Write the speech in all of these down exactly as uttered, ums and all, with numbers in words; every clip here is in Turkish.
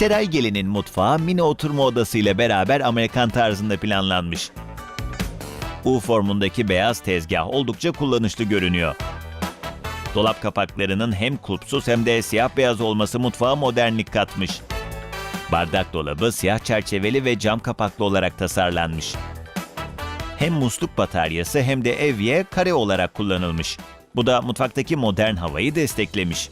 Seray Gelin'in mutfağı mini oturma odası ile beraber Amerikan tarzında planlanmış. U formundaki beyaz tezgah oldukça kullanışlı görünüyor. Dolap kapaklarının hem kulpsuz hem de siyah beyaz olması mutfağa modernlik katmış. Bardak dolabı siyah çerçeveli ve cam kapaklı olarak tasarlanmış. Hem musluk bataryası hem de evye kare olarak kullanılmış. Bu da mutfaktaki modern havayı desteklemiş.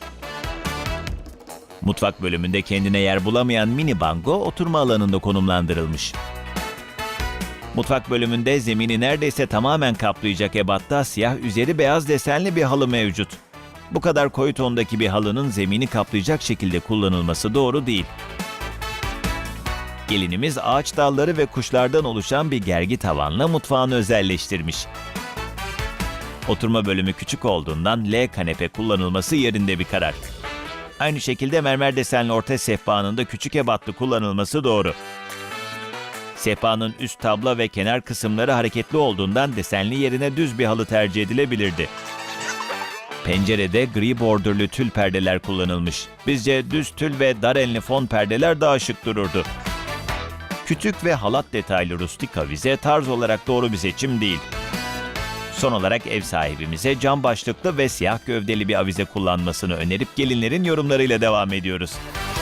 Mutfak bölümünde kendine yer bulamayan mini bango oturma alanında konumlandırılmış. Mutfak bölümünde zemini neredeyse tamamen kaplayacak ebatta siyah üzeri beyaz desenli bir halı mevcut. Bu kadar koyu tondaki bir halının zemini kaplayacak şekilde kullanılması doğru değil. Gelinimiz ağaç dalları ve kuşlardan oluşan bir gergi tavanla mutfağını özelleştirmiş. Oturma bölümü küçük olduğundan L kanepe kullanılması yerinde bir karar. Aynı şekilde mermer desenli orta sehpanın da küçük ebatlı kullanılması doğru. Sehpanın üst tabla ve kenar kısımları hareketli olduğundan desenli yerine düz bir halı tercih edilebilirdi. Pencerede gri bordürlü tül perdeler kullanılmış. Bizce düz tül ve dar enli fon perdeler daha şık dururdu. Kütük ve halat detaylı rustik avize tarz olarak doğru bir seçim değil. Son olarak ev sahibimize cam başlıklı ve siyah gövdeli bir avize kullanmasını önerip gelinlerin yorumlarıyla devam ediyoruz.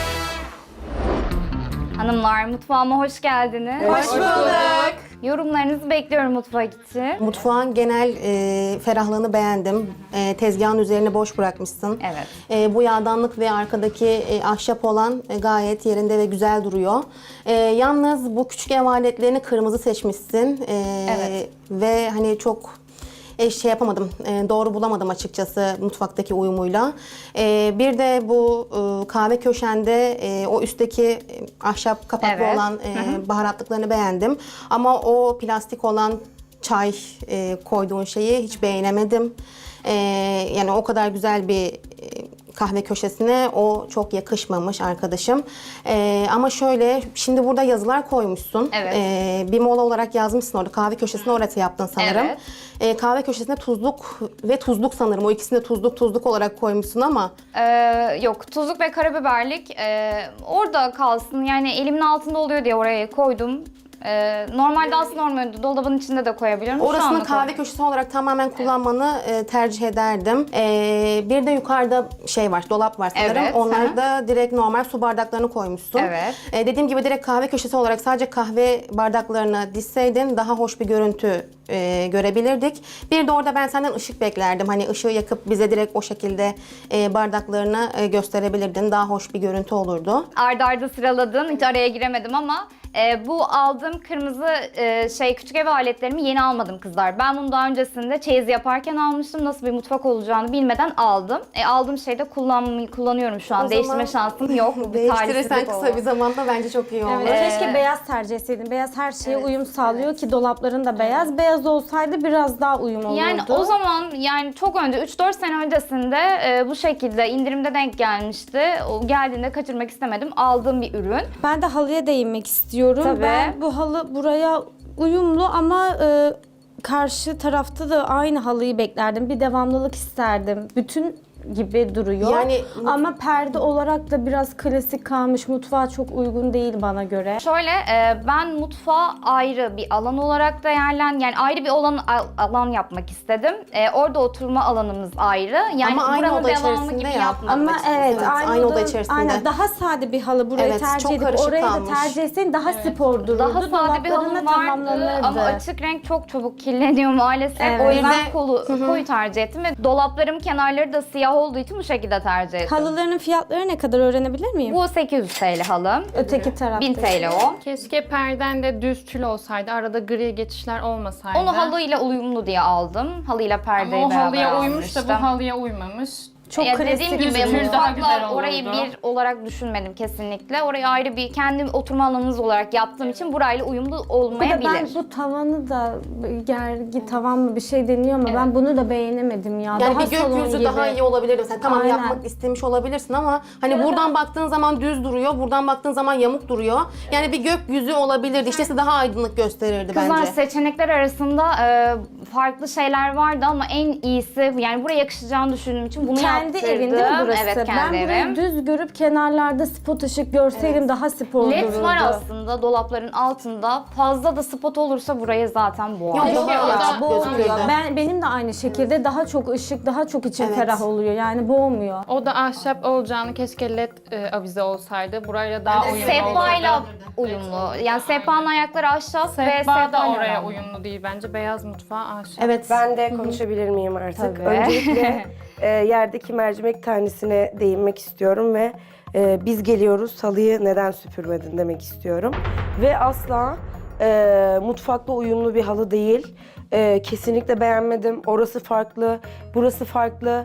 Hanımlar, mutfağıma hoş geldiniz. Hoş bulduk. Yorumlarınızı bekliyorum mutfak için. Mutfağın genel e, ferahlığını beğendim. E, tezgahın üzerini boş bırakmışsın. Evet. E, bu yağdanlık ve arkadaki e, ahşap olan e, gayet yerinde ve güzel duruyor. E, yalnız bu küçük ev aletlerini kırmızı seçmişsin. E, Evet. Ve hani çok e, şey yapamadım, e, doğru bulamadım açıkçası mutfaktaki uyumuyla. E, bir de bu e, kahve köşende e, o üstteki e, ahşap kapaklı Evet. olan e, baharatlıklarını beğendim. Ama o plastik olan çay e, koyduğun şeyi hiç beğenemedim. E, yani o kadar güzel bir e, kahve köşesine o çok yakışmamış arkadaşım. E, ama şöyle, şimdi burada yazılar koymuşsun. Evet. E, bir mola olarak yazmışsın orada. Kahve köşesini orası yaptın sanırım. Evet. E, kahve köşesine tuzluk ve tuzluk sanırım. O ikisini de tuzluk tuzluk olarak koymuşsun ama. Ee, yok, tuzluk ve karabiberlik e, orada kalsın. Yani elimin altında oluyor diye oraya koydum. Ee, normalde aslında normalde dolabın içinde de koyabiliyorum. Şu Orasını anda kahve koy- köşesi olarak tamamen kullanmanı e, tercih ederdim. E, bir de yukarıda şey var, dolap var sanırım. Evet, Onlar hı. da direkt normal su bardaklarını koymuşsun. Evet. E, dediğim gibi direkt kahve köşesi olarak sadece kahve bardaklarını dizseydin daha hoş bir görüntü e, görebilirdik. Bir de orada ben senden ışık beklerdim. Hani ışığı yakıp bize direkt o şekilde e, bardaklarını e, gösterebilirdin. Daha hoş bir görüntü olurdu. Arda arda sıraladın. Hiç araya giremedim ama e, bu aldığım kırmızı e, şey küçük ev aletlerimi yeni almadım kızlar. Ben bunu daha öncesinde çeyiz yaparken almıştım. Nasıl bir mutfak olacağını bilmeden aldım. E, aldığım şeyi de kullanmayı kullanıyorum şu an. O Değiştirme zaman şansım yok. Bu bir Değiştirirsen talihsizlik kısa oldu. bir zamanda bence çok iyi olur. Evet, keşke beyaz tercih etseydin. Beyaz her şeye uyum sağlıyor ki dolapların da beyaz. Beyaz olsaydı biraz daha uyum olurdu. Yani o zaman yani çok önce üç dört sene öncesinde e, bu şekilde indirimde denk gelmişti. O geldiğinde kaçırmak istemedim. Aldığım bir ürün. Ben de halıya değinmek istiyorum. Tabii. Ben bu halı buraya uyumlu ama e, karşı tarafta da aynı halıyı beklerdim. Bir devamlılık isterdim. Bütün gibi duruyor. Yani- ama perde olarak da biraz klasik kalmış. Mutfağa çok uygun değil bana göre. Şöyle e, ben mutfağı ayrı bir alan olarak değerlen yani ayrı bir alan alan yapmak istedim. E, orada oturma alanımız ayrı. Yani Ama aynı buranın oda devamı içerisinde gibi yap. yapmadım Ama açıkçası. evet, Evet, aynı, aynı oda oda- içerisinde. Aynen, daha sade bir halı burayı Evet, tercih çok edip karışık orayı kalmış. da tercih etseydin daha spor dururdu. Daha sade bir Dolapların da halım vardı tamamlanırdı. ama açık renk çok çabuk kirleniyor maalesef. Evet. O yüzden Bir de- kolu, koyu tercih ettim ve dolaplarım kenarları da siyah olduğu için bu şekilde tercih ettim. Halıların fiyatları ne kadar öğrenebilir miyim? Bu sekiz yüz T L halım. Öteki tarafta. bin T L o. Keşke perden de düz tül olsaydı, arada gri geçişler olmasaydı. Onu halıyla uyumlu diye aldım. Halıyla perdeyi Ama o beraber halıya uymuş da almıştım. bu halıya uymamış. Çok Ya klasik. dediğim gibi düz tül daha güzel mutfakla olurdu. orayı bir olarak düşünmedim kesinlikle. Orayı ayrı bir kendi oturma alanınız olarak yaptığım için burayla uyumlu Bir de olmayabilir. ben bu tavanı da gergi tavan mı bir şey deniyor ama ben bunu da beğenemedim ya. Yani daha bir salon gökyüzü gibi. daha iyi olabilirdi. Sen tamam Aynen. yapmak istemiş olabilirsin ama hani buradan baktığın zaman düz duruyor, buradan baktığın zaman yamuk duruyor. Yani bir gökyüzü olabilirdi. İşte size daha aydınlık gösterirdi Kızlar bence. seçenekler arasında e, farklı şeyler vardı ama en iyisi yani buraya yakışacağını düşündüğüm için bunu Tercih kendi evin değil mi yaptırdım. burası? Evet, kendi ben burayı evim. düz görüp kenarlarda spot ışık görseydim daha spor Led dururdu. var aslında dolapların altında. Fazla da spot olursa burayı zaten boğar. Yok, Keşke yok, o yok, da Boğmuyor. gözüküyordu. Ben benim de aynı şekilde daha çok ışık, daha çok için Evet. ferah oluyor. Yani boğmuyor. O da ahşap olacağını keşke led e, avize olsaydı. Burayla daha uyumlu Sehpayla olurdu. uyumlu. Yani sehpanın ayakları ahşap ve Sehpa da sehpa oraya uyumlu değil bence. Beyaz mutfağı ahşap. Evet. Ben de konuşabilir miyim artık? Tabii. Öncelikle e, yerdeki mercimek tanesine değinmek istiyorum ve e, biz geliyoruz halıyı neden süpürmedin demek istiyorum. Ve asla e, mutfakla uyumlu bir halı değil. E, kesinlikle beğenmedim. Orası farklı, burası farklı.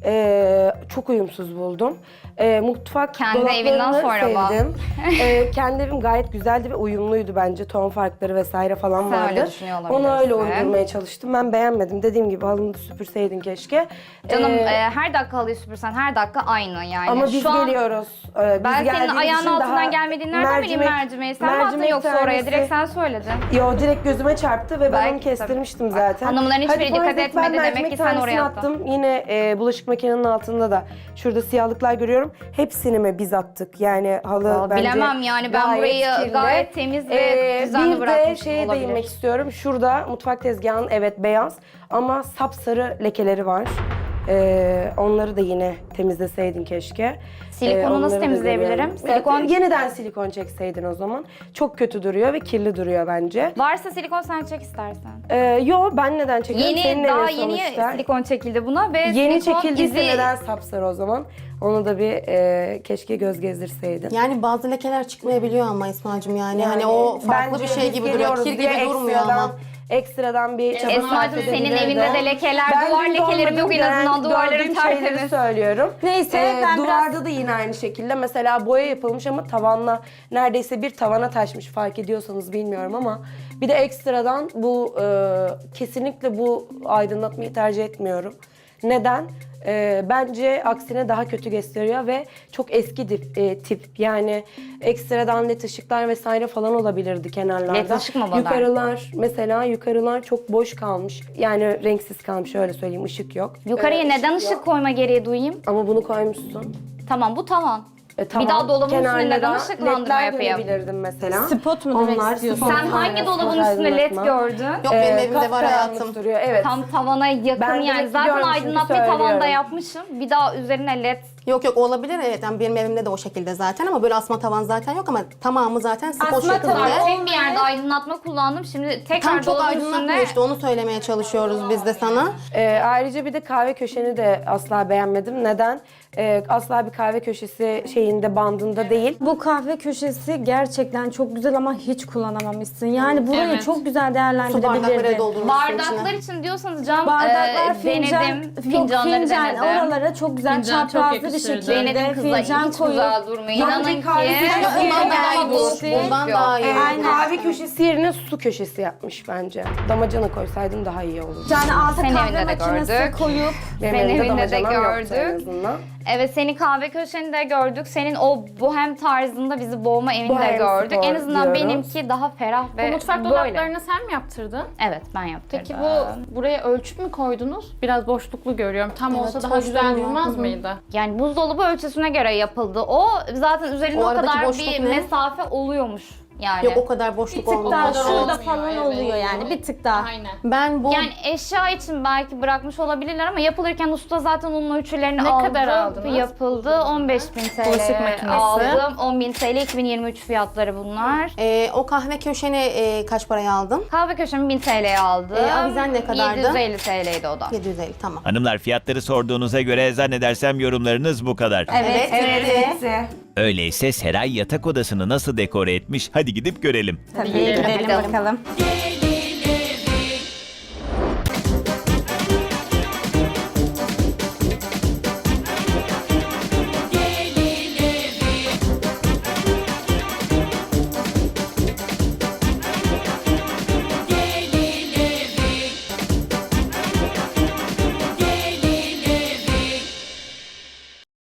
E, çok uyumsuz buldum. E, mutfak Kendi dolaplarını evinden sonra bak. sevdim. e, kendi evim gayet güzeldi ve uyumluydu bence. Ton farkları vesaire falan Sen vardı. öyle düşünüyor Onu öyle olabilirsin. uydurmaya çalıştım. Ben beğenmedim. Dediğim gibi halını da süpürseydin keşke. Canım Ee, e, her dakika halıyı süpürsen her dakika aynı yani. ama biz Şu an geliyoruz. Ee, biz ben senin geldiğimiz ayağının için altından daha gelmediğini nereden bileyim mercimeği? Sen mi attın mercimek yoksa oraya? tanesi- Direkt sen söyledin. Yo direkt gözüme çarptı ve ben Belki onu kestirmiştim tabii. zaten. Hanımların hiçbiri Hadi dikkat farz et, etmedi, ben demek mercimek ki sen oraya tanesini attın. attım. Yine e, bulaşık makinenin altında da şurada siyahlıklar görüyorum. Hepsini mi biz attık? Yani halı Vallahi bence bilemem yani, ben gayet burayı kirli. gayet temiz ve düzenli Bir de bırakmışım, şeye olabilir. değinmek istiyorum. Şurada mutfak tezgahının evet beyaz ama sapsarı lekeleri var. Ee, onları da yine temizleseydin keşke. Silikonu Ee, nasıl onları da temizleyebilirim? görüyorum. Silikon- Evet, yeniden silikon çekseydin o zaman. Çok kötü duruyor ve kirli duruyor bence. Varsa silikon sen çek istersen. Ee, yo ben neden çekiyorum? Senin Yeni, daha evin yeni sonuçta. silikon çekildi buna ve Yeni silikon çekildiyse izi... neden sapsarı o zaman? Onu da bir e, keşke göz gezdirseydin. Yani bazı lekeler çıkmayabiliyor ama İsmail'cim yani. Yani hani o farklı bence bir şey biz gibi duruyor. geliyoruz Kir gibi diye durmuyor ekstradan- ama. Ekstradan bir çaba sarf Esma'cığım senin edebilirdi. evinde de lekeler, Ben duvar dün lekelerim yok en görmedim, azından, gören- duvarların gördüğüm şeyleri tertemiz. söylüyorum. Neyse, Ee, ben duvarda biraz- da yine aynı şekilde mesela boya yapılmış ama tavanla neredeyse bir tavana taşmış, fark ediyorsanız bilmiyorum ama bir de ekstradan bu e, kesinlikle bu aydınlatmayı tercih etmiyorum. Neden? Ee, bence aksine daha kötü gösteriyor ve çok eski dip, e, tip yani ekstradan led ışıklar vesaire falan olabilirdi kenarlarda. Led ışık mı var? Yukarılar mesela yukarılar çok boş kalmış yani renksiz kalmış öyle söyleyeyim, ışık yok. Yukarıya Ee, neden ışık yok. koyma gereği duyayım? Ama bunu koymuşsun. Tamam, bu tavan. E, tamam. Bir daha dolabın üstüne Kenarlara neden ışıklandırma ledler yapayım? görebilirdim mesela. Spot mu demek istiyorsun? Sen spot, hangi aynen, dolabın spot üstüne led aydınlatma. gördün? Yok benim Ee, evimde var kapkaranlık hayatım. duruyor, evet. Tam tavana yakın Ben yani. demek Zaten biliyorum, çünkü aydınlatmayı tavanda söylüyorum. yapmışım. Bir daha üzerine led. Yok yok olabilir evet. Yani benim evimde de o şekilde zaten ama böyle asma tavan zaten yok ama tamamı zaten spot Asma şeklinde. tavan Tek bir yerde aydınlatma kullandım. Şimdi tekrar Tam çok dolabın aydınlatmıyor üstüne... işte onu söylemeye çalışıyoruz biz de sana. Ee, ayrıca bir de kahve köşeni de asla beğenmedim. Neden? Ee, asla bir kahve köşesi şeyinde, bandında değil. Bu kahve köşesi gerçekten çok güzel ama hiç kullanamamışsın. Yani burayı Evet. çok güzel Su bardakları değerlendirebilirdin. doldurmuşsun Bardaklar içine. için diyorsanız cam Bardaklar, e, fincan, denedim. yok, Fincanları fincan, denedim. oralara çok güzel Fincan çok çaprazlı bir yakışırdı. şekilde Denedim kızlar. fincan Hiç koyup güzel durmuyor. Bence İnanın ki. kahve köşesi Bundan daha iyi Ama olur. boş Bundan yok. daha iyi. Ee, Aynen. kahve köşesi yerine su köşesi yapmış bence. Damacana koysaydın daha iyi olurdu. Yani altı Senin kahve evinde de makinesi gördük. koyup Benim Senin evimde evinde de damacanam yoktu en gördük. azından. Evet, seni kahve köşende gördük. Senin o bohem tarzında bizi boğma evini de Bohem gördük. spor En azından diyoruz. benimki daha ferah Bu ve mutfak böyle. dolaplarını sen mi yaptırdın? Evet, ben yaptırdım. Peki bu buraya ölçüp mü koydunuz? Biraz boşluklu görüyorum. Tam Evet, olsa daha hoş güzel durmuyor. durmaz Hı hı. mıydı? Yani buzdolabı ölçüsüne göre yapıldı. O zaten üzerinde O o, aradaki kadar boşluk bir ne? mesafe oluyormuş yani. Yok o kadar bir boşluk tık daha olmaz. kadar şurada olmuyor, falan evet. oluyor yani bir tık daha. Aynen. Ben bu Yani eşya için belki bırakmış olabilirler ama yapılırken usta zaten onun ölçülerini Ne aldı. kadar aldınız? Yapıldı. on beş bin T L Bulaşık makinesi. aldım. on bin T L iki bin yirmi üç fiyatları bunlar. e, o kahve köşeni e, kaç paraya aldın? Kahve köşemi bin T L'ye aldım. E, avizen ne kadardı? yedi yüz elli T L'ydi o da. yedi yüz elli tamam. Hanımlar, fiyatları sorduğunuza göre zannedersem yorumlarınız bu kadar. Evet, evet. Öyleyse Seray yatak odasını nasıl dekore etmiş? Hadi gidip görelim. Tabii gidelim bakalım. Gel